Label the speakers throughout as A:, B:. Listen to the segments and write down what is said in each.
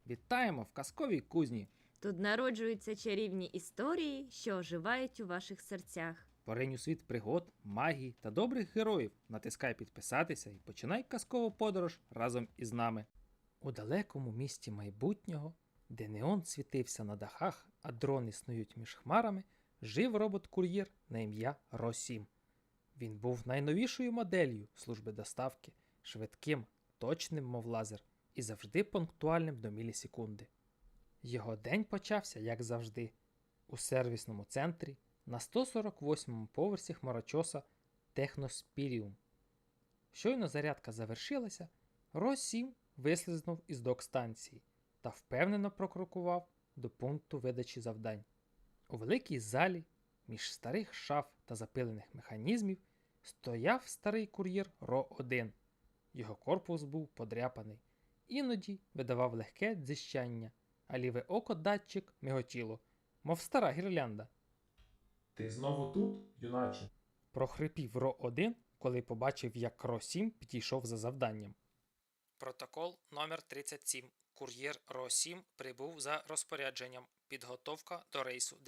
A: Вітаємо в казковій кузні!
B: Тут народжуються чарівні історії, що оживають у ваших серцях.
A: Поринь у світ пригод, магії та добрих героїв. Натискай підписатися і починай казкову подорож разом із нами. У далекому місті майбутнього, де неон світився на дахах, а дрони снують між хмарами, жив робот-кур'єр на ім'я Ро-7. Він був найновішою моделлю служби доставки, швидким, точним, мов лазер, і завжди пунктуальним до мілісекунди. Його день почався, як завжди, у сервісному центрі на 148-му поверсі хмарочоса Техноспіріум. Щойно зарядка завершилася, Ро-7 вислизнув із док-станції та впевнено прокрокував до пункту видачі завдань. У великій залі, між старих шаф та запилених механізмів, стояв старий кур'єр Ро-1. Його корпус був подряпаний, іноді видавав легке дзищання, а ліве око датчик миготіло, мов стара гірлянда.
C: Ти знову тут, юначе?
A: Прохрипів Ро-1, коли побачив, як Ро-7 підійшов за завданням. Протокол номер 37. Кур'єр Ро-7 прибув за розпорядженням. Підготовка до рейсу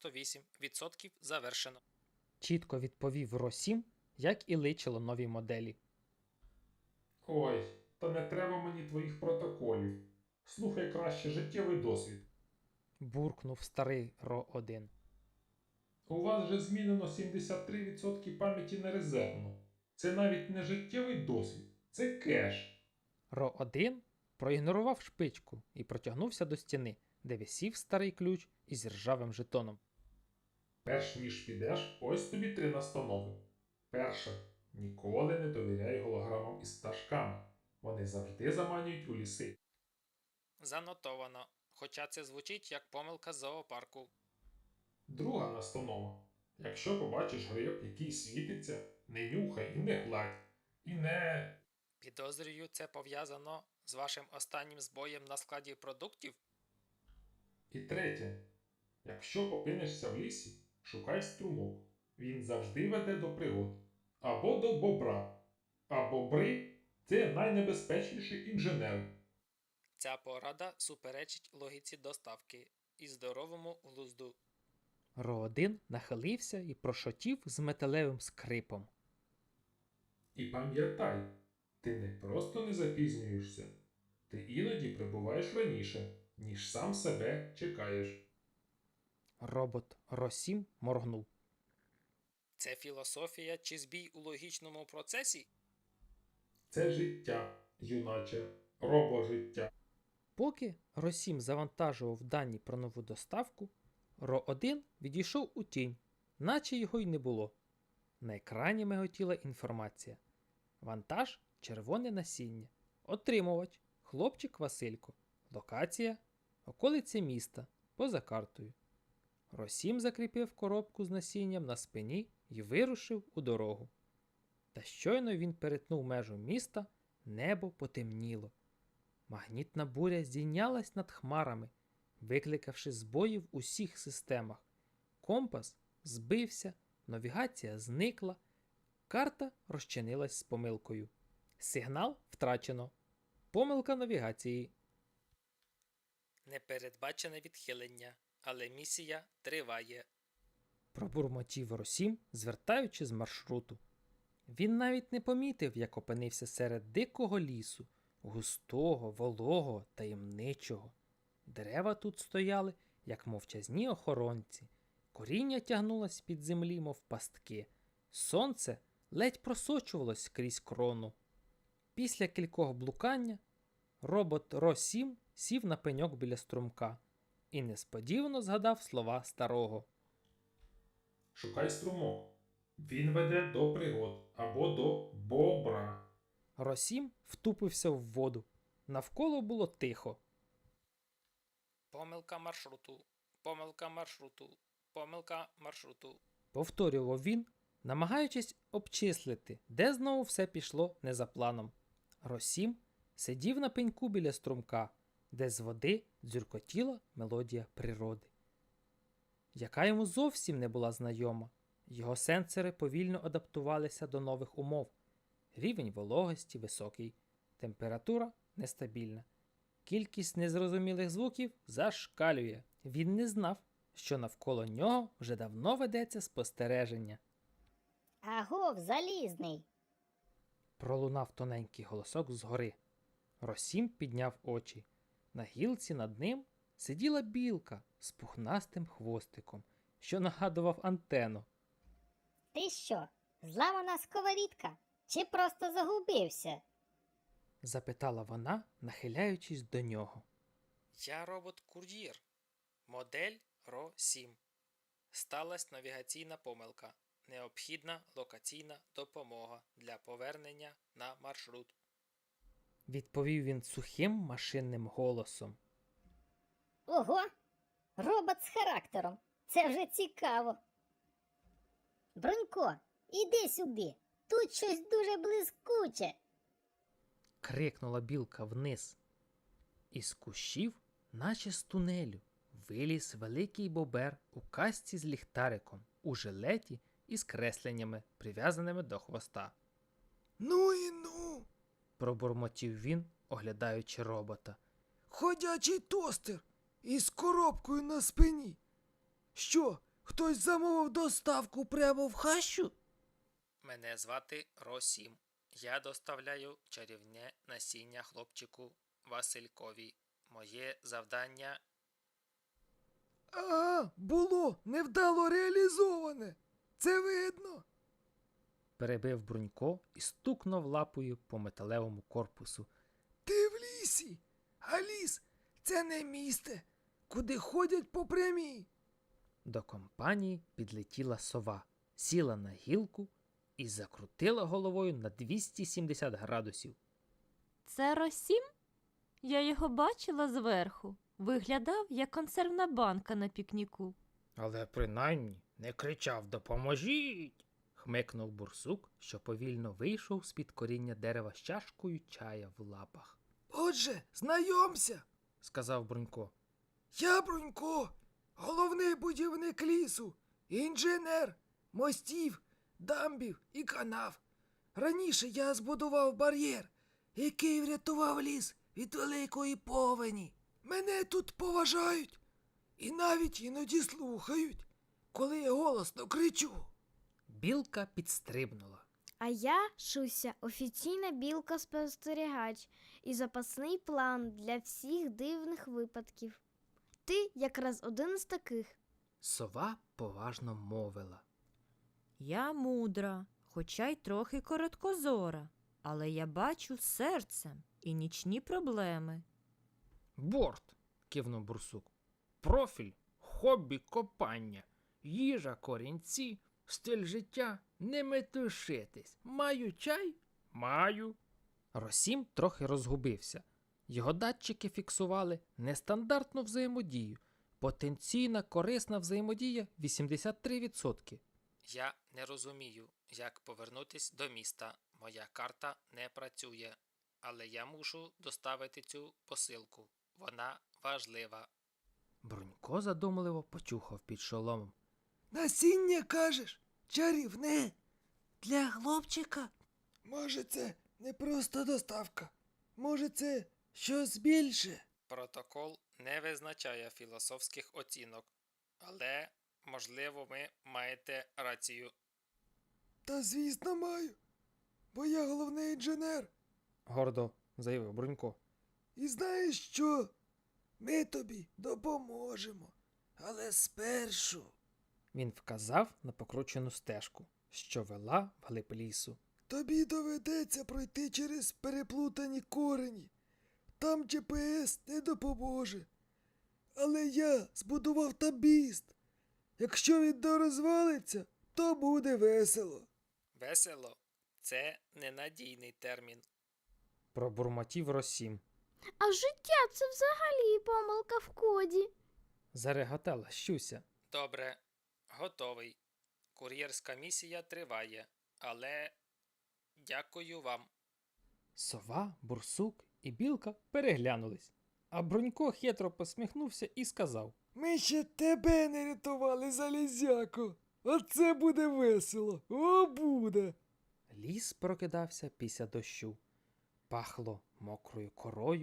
A: 98% завершено. Чітко відповів Ро-7, як і личило новій моделі.
C: Ой, та не треба мені твоїх протоколів. Слухай краще життєвий досвід.
A: Буркнув старий Ро-1.
C: У вас же змінено 73% пам'яті на резервну. Це навіть не життєвий досвід, це кеш.
A: Ро-1 проігнорував шпичку і протягнувся до стіни, де висів старий ключ із ржавим жетоном.
C: Перш ніж підеш, ось тобі 3 настанови. Перше. Ніколи не довіряй голограмам із пташками. Вони завжди заманюють у ліси.
A: Занотовано, хоча це звучить як помилка з зоопарку.
C: Друга настанова. Якщо побачиш гриб, який світиться, не нюхай і не гладь. І не...
A: Підозрюю, це пов'язано з вашим останнім збоєм на складі продуктів?
C: І третє. Якщо опинишся в лісі, шукай струмок. Він завжди веде до пригод. Або до бобра. А бобри – це найнебезпечніші інженери.
A: Ця порада суперечить логіці доставки і здоровому глузду. Ро-1 нахилився і прошотів з металевим скрипом.
C: І пам'ятай, ти не просто не запізнюєшся. Ти іноді прибуваєш раніше, ніж сам себе чекаєш.
A: Робот Ро-7 моргнув. Це філософія чи збій у логічному процесі?
C: Це життя, юначе, робожиття.
A: Поки Ро-7 завантажував дані про нову доставку, Ро-1 відійшов у тінь, наче його й не було. На екрані миготіла інформація. Вантаж – червоне насіння. Отримувач – хлопчик Василько. Локація – околиця міста, поза картою. Ро-7 закріпив коробку з насінням на спині і вирушив у дорогу. Та щойно він перетнув межу міста, небо потемніло. Магнітна буря здійнялась над хмарами, викликавши збої в усіх системах. Компас збився, навігація зникла, карта розчинилась з помилкою. Сигнал втрачено. Помилка навігації. Непередбачене відхилення, але місія триває. Пробурмотів Ро-7, звертаючи з маршруту. Він навіть не помітив, як опинився серед дикого лісу, густого, вологого, таємничого. Дерева тут стояли, як мовчазні охоронці. Коріння тягнулось під землі, мов пастки. Сонце ледь просочувалось крізь крону. Після кількох блукання робот Ро-7 сів на пеньок біля струмка і несподівано згадав слова старого.
C: Шукай струмок. Він веде до пригод або до бобра.
A: Ро-7 втупився в воду. Навколо було тихо. Помилка маршруту, помилка маршруту, помилка маршруту. Повторював він, намагаючись обчислити, де знову все пішло не за планом. Ро-7 сидів на пеньку біля струмка, де з води дзюркотіла мелодія природи, яка йому зовсім не була знайома. Його сенсори повільно адаптувалися до нових умов. Рівень вологості високий, температура нестабільна. кількість незрозумілих звуків зашкалює. Він не знав, що навколо нього вже давно ведеться спостереження.
D: Агов, залізний.
A: Пролунав тоненький голосок згори. Росім підняв очі. На гілці над ним сиділа білка з пухнастим хвостиком, що нагадував антену.
D: Ти що, зламана сковорідка? Чи просто загубився?
A: Запитала вона, нахиляючись до нього. Я робот-кур'єр. Модель РО-7. Сталась навігаційна помилка. Необхідна локаційна допомога для повернення на маршрут. Відповів він сухим машинним голосом.
D: Ого! Робот з характером. Це вже цікаво. Бронько, іди сюди. Тут щось дуже блискуче.
A: Крикнула білка вниз. Із кущів, наче з тунелю, виліз великий бобер у касці з ліхтариком, у жилеті і з кресленнями, прив'язаними до хвоста.
E: Ну і ну,
A: Пробурмотів він, оглядаючи робота.
E: ходячий тостер із коробкою на спині. Що, хтось замовив доставку прямо в хащу?
A: Мене звати Ро-7. Я доставляю чарівне насіння хлопчику Василькові. Моє завдання...
E: Ага, було невдало реалізоване. Це видно.
A: Перебив Брунько і стукнув лапою по металевому корпусу.
E: Ти в лісі, а ліс – це не місце, куди ходять по прямій.
A: До компанії підлетіла сова, сіла на гілку і закрутила головою на 270 градусів.
B: Це Росім? Я його бачила зверху. Виглядав, як консервна банка на пікніку.
A: Але принаймні не кричав «Допоможіть!» – хмикнув бурсук, що повільно вийшов з-під коріння дерева з чашкою чая в лапах.
E: Отже, знайомся,
A: – сказав Брунько.
E: я Брунько, головний будівник лісу, інженер, мостів, дамбів і канав. Раніше я збудував бар'єр, який врятував ліс від великої повені. Мене тут поважають і навіть іноді слухають, коли я голосно кричу.
A: Білка підстрибнула.
F: А я, Шуся, офіційна білка-спостерігач і запасний план для всіх дивних випадків. Ти якраз один з таких.
A: Сова поважно мовила.
B: Я мудра, хоча й трохи короткозора, але я бачу серцем і нічні проблеми.
A: «Борт!» – кивнув бурсук. «Профіль, хобі копання, їжа корінці, стиль життя – не метушитись. Маю чай? Маю». Росім трохи розгубився. Його датчики фіксували нестандартну взаємодію. Потенційна корисна взаємодія 83%. Я не розумію, як повернутись до міста. Моя карта не працює. Але я мушу доставити цю посилку. Вона важлива. Брунько задумливо почухав під шоломом.
E: Насіння, кажеш, чарівне, для хлопчика? Може, це не просто доставка, може, це щось більше?
A: Протокол не визначає філософських оцінок, але, можливо, ви маєте рацію.
E: Та звісно маю, бо я головний інженер.
A: Гордо заявив Брунько.
E: І знаєш що? Ми тобі допоможемо, але спершу.
A: Він вказав на покручену стежку, що вела вглиб лісу.
E: Тобі доведеться пройти через переплутані корені. Там GPS не допоможе. Але я збудував табіст. Якщо він дорозвалиться, то буде весело.
A: Весело – це ненадійний термін. Пробурмотів Росім.
F: А життя це взагалі помилка в коді.
A: Зареготала Щуся. Добре, готовий. Кур'єрська місія триває, але дякую вам. Сова, бурсук і білка переглянулись, а Брунько хитро посміхнувся і сказав.
E: Ми ще тебе не рятували, залізяко. Оце буде весело. О, буде.
A: Ліс прокидався після дощу. Пахло мокрою корою,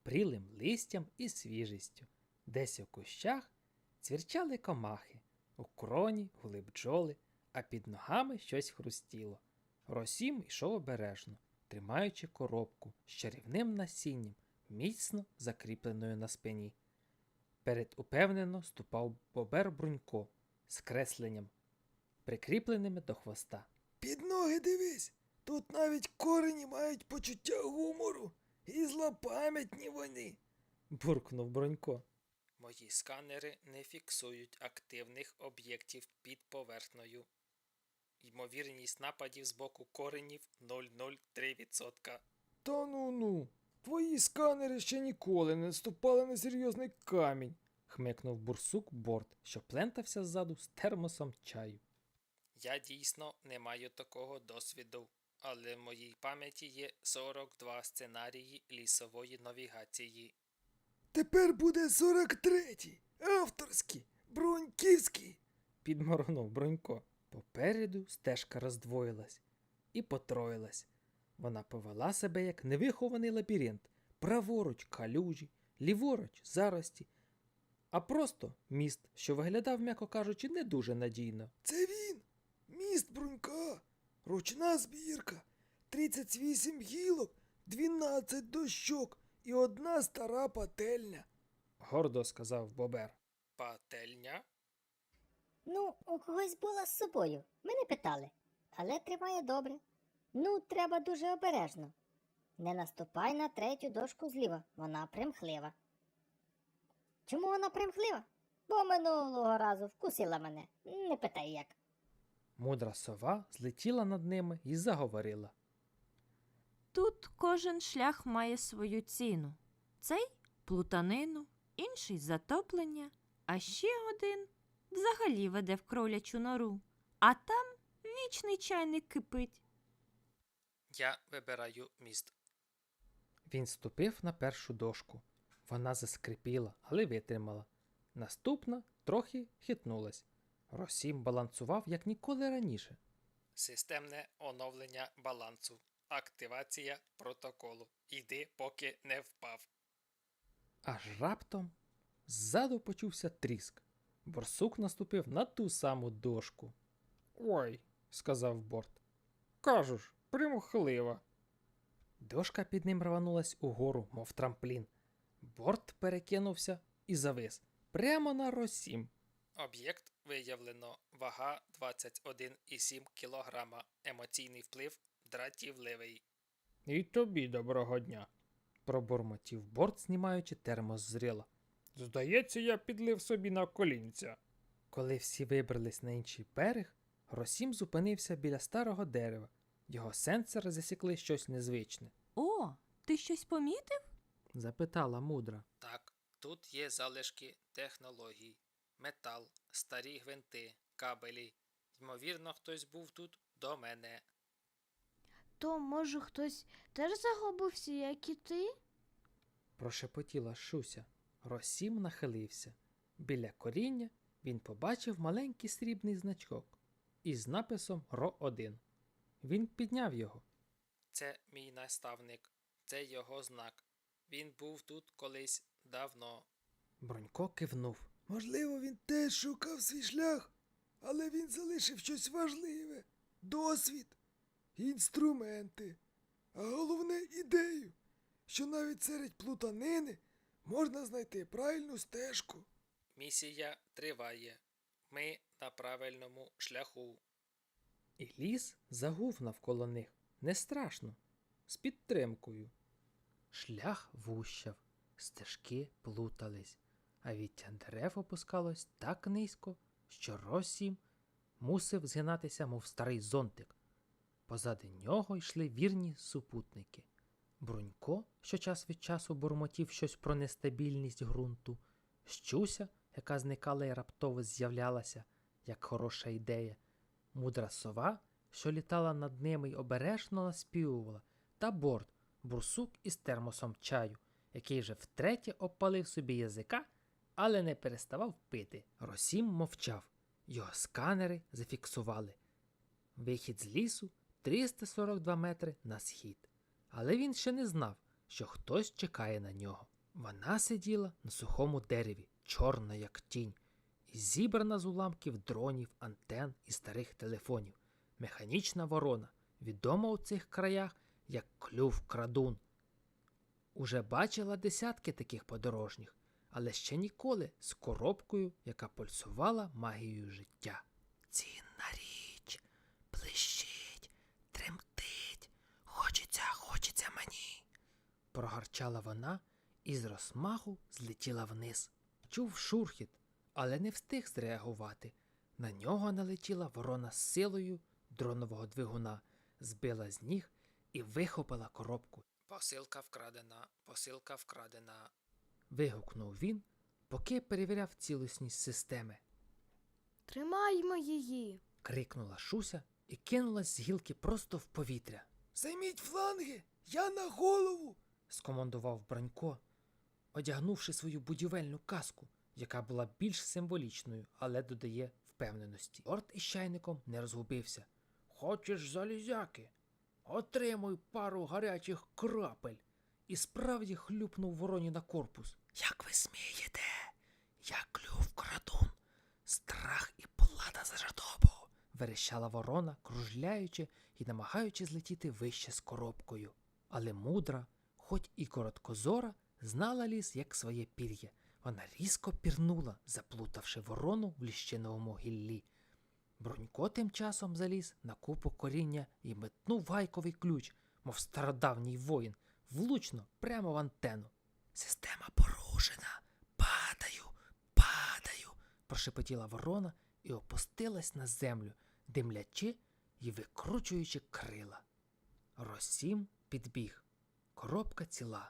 A: прілим листям і свіжістю. Десь у кущах цвірчали комахи, у кроні гули бджоли, а під ногами щось хрустіло. Росім йшов обережно, тримаючи коробку з чарівним насінням, міцно закріпленою на спині. Перед упевнено ступав бобер Брунько з кресленням, прикріпленими до хвоста.
E: Під ноги дивись, тут навіть корені мають почуття гумору, і злопам'ятні вони.
A: Буркнув Бронько. Мої сканери не фіксують активних об'єктів під поверхнею. Ймовірність нападів з боку коренів 0,03%.
E: Та ну-ну, твої сканери ще ніколи не наступали на серйозний камінь.
A: Хмикнув бурсук Борт, що плентався ззаду з термосом чаю. Я дійсно не маю такого досвіду, але в моїй пам'яті є 42 сценарії лісової навігації.
E: Тепер буде 43-й, авторський, бруньківський.
A: Підморгнув Бронько. Попереду стежка роздвоїлась і потроїлась. Вона повела себе як невихований лабіринт. Праворуч калюжі, ліворуч зарості, а просто міст, що виглядав, м'яко кажучи, не дуже надійно.
E: Це він, міст Брунька, ручна збірка, 38 гілок, 12 дощок і одна стара пательня.
A: Гордо сказав Бобер. Пательня?
D: Ну, у когось була з собою. Ми не питали. Але тримає добре. Ну, треба дуже обережно. Не наступай на третю дошку зліва. Вона примхлива. Чому вона примхлива? Бо минулого разу вкусила мене. Не питай як.
A: Мудра сова злетіла над ними і заговорила.
B: Тут кожен шлях має свою ціну. Цей плутанину, інший затоплення, а ще один взагалі веде в кролячу нору. А там вічний чайник кипить.
A: Я вибираю міст. Він ступив на першу дошку. Вона заскрипіла, але витримала. Наступна трохи хитнулась. Росім балансував, як ніколи раніше. Системне оновлення балансу. Активація протоколу. Іди, поки не впав. Аж раптом ззаду почувся тріск. Борсук наступив на ту саму дошку. «Ой», — сказав Борт. «Кажу ж, примхлива». Дошка під ним рванулась угору, мов трамплін. Борт перекинувся і завис. Прямо на Росім. Об'єкт виявлено. Вага 21,7 кг. Емоційний вплив дратівливий. І тобі доброго дня, пробурмотів Борт, знімаючи термос з рила. Здається, я підлив собі на колінця. Коли всі вибрались на інший берег, Росім зупинився біля старого дерева. Його сенсори засікли щось незвичне.
B: О, ти щось помітив?
A: Запитала мудра. Так, тут є залишки технологій. Метал, старі гвинти, кабелі. Ймовірно, хтось був тут до мене.
F: То, може, хтось теж загубився, як і ти?
A: Прошепотіла Шуся. Росім нахилився. Біля коріння він побачив маленький срібний значок із написом РО-1. Він підняв його. Це мій наставник. Це його знак. Він був тут колись давно. Бронько кивнув.
E: Можливо, він теж шукав свій шлях, але він залишив щось важливе. Досвід, інструменти, а головне ідею, що навіть серед плутанини можна знайти правильну стежку.
A: Місія триває. Ми на правильному шляху. І ліс загув навколо них. Не страшно. З підтримкою. Шлях вущав, стежки плутались, а віття дерев опускалось так низько, що Росім мусив згинатися, мов старий зонтик. Позади нього йшли вірні супутники. Брунько, що час від часу бурмотів щось про нестабільність ґрунту, Щуся, яка зникала і раптово з'являлася, як хороша ідея, мудра сова, що літала над ними й обережно наспівувала, та Борт, бурсук із термосом чаю, який вже втретє обпалив собі язика, але не переставав пити. Росім мовчав. Його сканери зафіксували. Вихід з лісу 342 метри на схід. Але він ще не знав, що хтось чекає на нього. Вона сиділа на сухому дереві, чорна як тінь, і зібрана з уламків дронів, антен і старих телефонів. Механічна ворона, відома у цих краях як клюв-крадун. Уже бачила десятки таких подорожніх, але ще ніколи з коробкою, яка пульсувала магією життя. Цінна річ, блищить, тремтить, хочеться мені. Прогарчала вона і з розмаху злетіла вниз. Чув шурхіт, але не встиг зреагувати. На нього налетіла ворона з силою дронового двигуна, збила з ніг і вихопила коробку. Посилка вкрадена. Вигукнув він, поки перевіряв цілісність системи.
F: Тримаймо її.
A: Крикнула Шуся і кинулась з гілки просто в повітря.
E: Займіть фланги! Я на голову!
A: Скомандував Бронько, одягнувши свою будівельну каску, яка була більш символічною, але додає впевненості. Орд із чайником не розгубився. Хочеш залізяки? Отримуй пару гарячих крапель. І справді хлюпнув вороні на корпус. Як ви смієте? Я клюв-крадун, страх і плата за жадобу. Верещала ворона, кружляючи і намагаючись злетіти вище з коробкою. Але мудра, хоч і короткозора, знала ліс як своє пір'я. Вона різко пірнула, заплутавши ворону в ліщиновому гіллі. Бронько тим часом заліз на купу коріння і метнув гайковий ключ, мов стародавній воїн, влучно прямо в антенну. «Система порушена! Падаю!» – прошепотіла ворона і опустилась на землю, димлячи і викручуючи крила. Росім підбіг. Коробка ціла.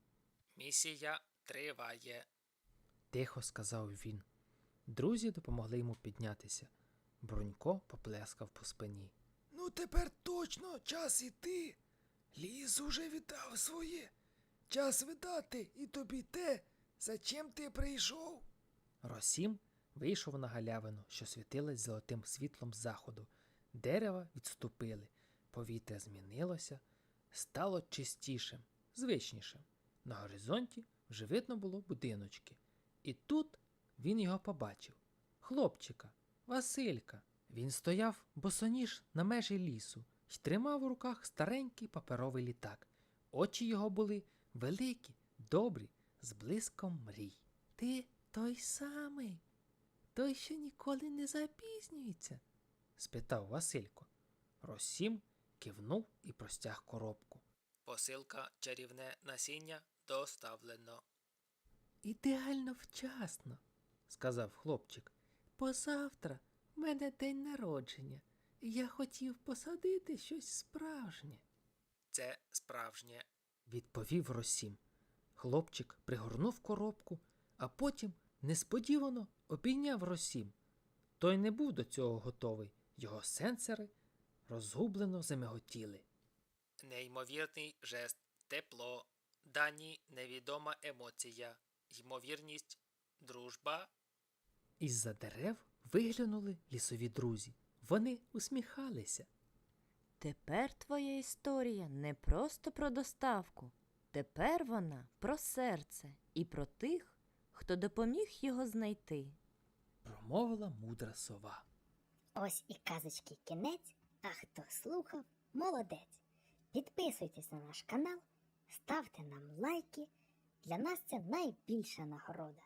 A: «Місія триває», – тихо сказав він. Друзі допомогли йому піднятися. Бронько поплескав по спині.
E: Ну тепер точно час іти. Ліс уже віддав своє. Час видати і тобі те, за чим ти прийшов.
A: Росім вийшов на галявину, що світилась золотим світлом заходу. Дерева відступили, повітря змінилося, стало чистішим, звичнішим. На горизонті вже видно було будиночки. І тут він його побачив. Хлопчика, Василька. Він стояв босоніж на межі лісу й тримав у руках старенький паперовий літак. Очі його були великі, добрі, з блиском мрій. «Ти той самий, той, що ніколи не запізнюється?» – спитав Василько. Росім кивнув і простяг коробку. «Посилка чарівне насіння доставлено». «Ідеально вчасно», – сказав хлопчик. «Позавтра в мене день народження, і я хотів посадити щось справжнє». «Це справжнє», – відповів Росім. Хлопчик пригорнув коробку, а потім несподівано обійняв Росім. Той не був до цього готовий, його сенсори розгублено замиготіли. Неймовірний жест, тепло, дані невідома емоція, ймовірність, дружба. Із-за дерев виглянули лісові друзі. Вони усміхалися.
B: Тепер твоя історія не просто про доставку. Тепер вона про серце і про тих, хто допоміг його знайти.
A: Промовила мудра сова.
D: Ось і казочки кінець, а хто слухав, молодець. Підписуйтесь на наш канал, ставте нам лайки. Для нас це найбільша нагорода.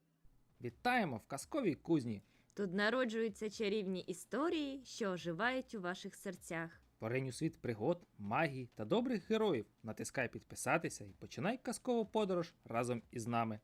A: Вітаємо в казковій кузні.
B: Тут народжуються чарівні історії, що оживають у ваших серцях.
A: Поринь у світ пригод, магії та добрих героїв. Натискай підписатися і починай казкову подорож разом із нами.